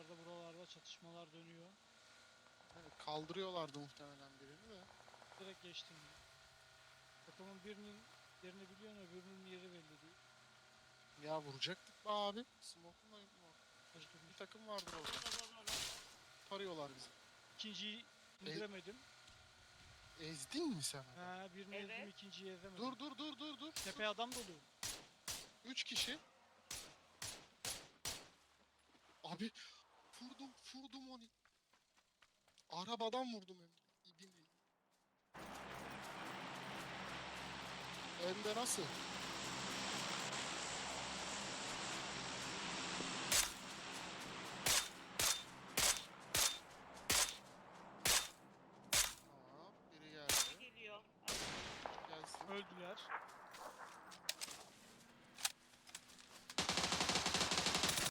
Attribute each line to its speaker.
Speaker 1: Yukarıda buralarda çatışmalar dönüyor.
Speaker 2: Yani kaldırıyorlardı muhtemelen birini de.
Speaker 1: Direkt geçtim. Takımın birinin yerini biliyorsun, öbürünün yeri belli değil.
Speaker 2: Ya vuracaktık be abi. Smoke'un yok.
Speaker 1: Kaç
Speaker 2: Bir
Speaker 1: durmuş.
Speaker 2: takım vardır orada. Tarıyorlar bizi.
Speaker 1: İkinciyi
Speaker 2: E,
Speaker 1: indiremedim.
Speaker 2: ezdin mi sen adam?
Speaker 1: Birini ezdim,
Speaker 3: Evet.
Speaker 1: ikinciyi ezemedim.
Speaker 2: Dur.
Speaker 1: Tepe adam dolu.
Speaker 2: 3 kişi. Abi vurdum onu. Arabadan vurdum hem de. İbini. Hem de nasıl?